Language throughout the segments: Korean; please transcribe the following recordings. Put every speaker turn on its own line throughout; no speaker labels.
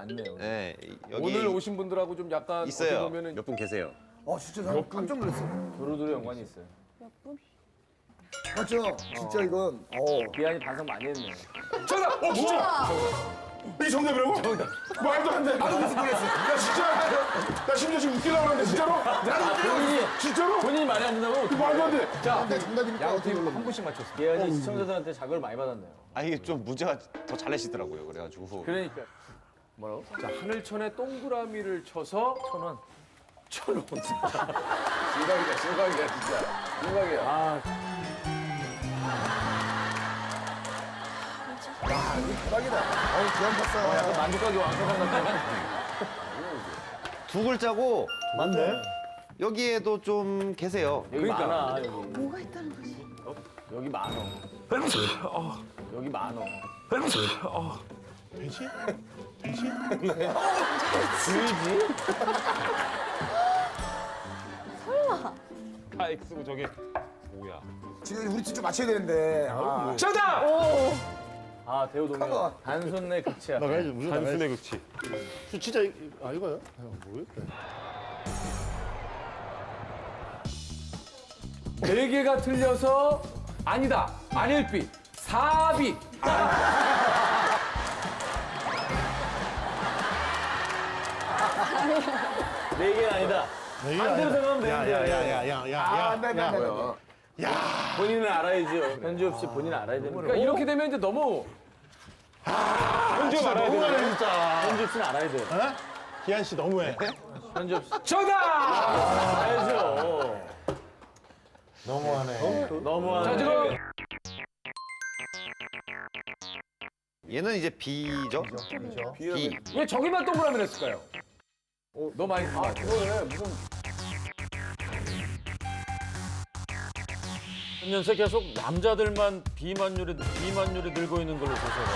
많네요.
네, 여기
오늘 오신 분들하고 좀 약간
있어요.
어떻게 보면은
몇 분 계세요.
진짜 나 깜짝 놀랐어.
도로도로 연관이 있어요.
맞죠? 진짜 이건.
기한이 반성 많이 했네.
정답! 진짜! 이게 정답이라고? 정답. 말도 안 돼. 나도 무슨 놀랐어. 야, 진짜. 나 심지어 지금 웃기려고 하는데, 진짜로? 진짜로?
본인이 말이 안 된다고?
말도 안 돼.
자,
정답이니까
양팀 한 분씩 맞췄어. 기한이 시청자들한테 자극을 많이 받았네요.
아 이게 좀 문제가 더 잘 내시더라고요. 그래가지고.
그러니까. 뭐라고? 자, 하늘천에 동그라미를 쳐서 1,000원. 1,000원. 진각이다, 진각이야, 진짜. 진각이야. 아,
대박이다. 기안 봤어.
약간 만족하게 완성한 것 같아.
두 글자고 맞네. 여기에도 좀 계세요.
여기 많아, 여기.
뭐가 있다는 거지?
여기 많어. 여기 많어.
돼지?
다 X고 저게 뭐야?
지금 우리 진짜 맞춰야 되는데.
정답! 아, 대우동료.
컴온.
단순 내 극치야.
나가야지, 무슨
단순의 극치.
진짜, 이거요? 모르겠다.
4개가 틀려서 아니다. 아닐비. 4비. 네 개는 아니다. 반대로 생각하면 되는데. 본인은 알아야죠. 현주 없이 본인 알아야 되는 거니까 이렇게 되면 이제 너무
현주 알아야 되는
진짜.
현주 없이는 알아야 돼.
기한 씨 너무해.
현주 없이. 정답! 알죠.
너무하네.
너무하네. 자, 지금
얘는 이제 B죠? B.
왜 저기만 동그라미 냈을까요? 너무 많이 쓴 것 같아. 그거네. 무슨
연세 계속 남자들만 비만율이 늘고 있는 걸로 조사가.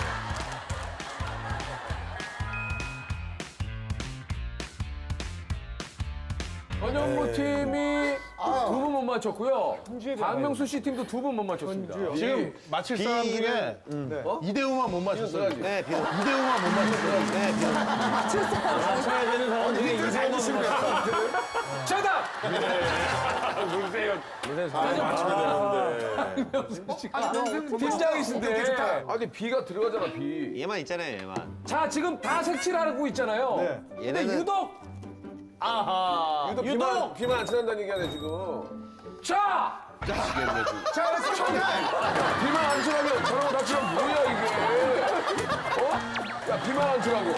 전현무 팀이 두 분 못 맞췄고요. 박명수 씨 팀도 두 분 못 맞췄습니다.
지금 맞힐 사람 중에 이대호만 못 맞췄어요.
네, B.
이대호만 못 맞췄어요.
네, B.
맞춰야 되는 사람 중에 이세만 못 맞췄어요. 정답! 문세영 팀장이신데. 아니 B가 들어가잖아 B.
얘만 있잖아요, 얘만.
자, 지금 다 색칠하고 있잖아요. 근데
얘네는
유독 아하.
유독 비만 안 친한다는 얘기하네 지금.
자!
자, 그래서 정답.
비만 안 친하면 저러고 다 치면 뭐야 이게? 어? 야, 비만 안 친하고.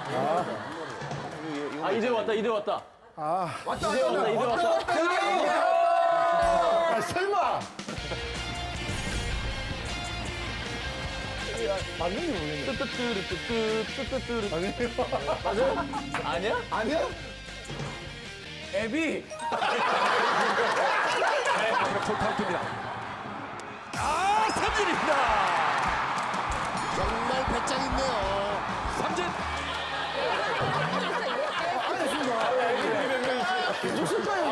아 이제 왔다 이제 왔다.
왔다
이제 왔다 이제 왔다.
아, 설마. 맞는지 모르겠네.
뚜뚜뚜뚜뚜뚜뚜뚜. 맞아요? 아니야?
아니야?
애비.
아 삼진입니다.
정말 배짱 있네요.
삼진.
무슨 거야?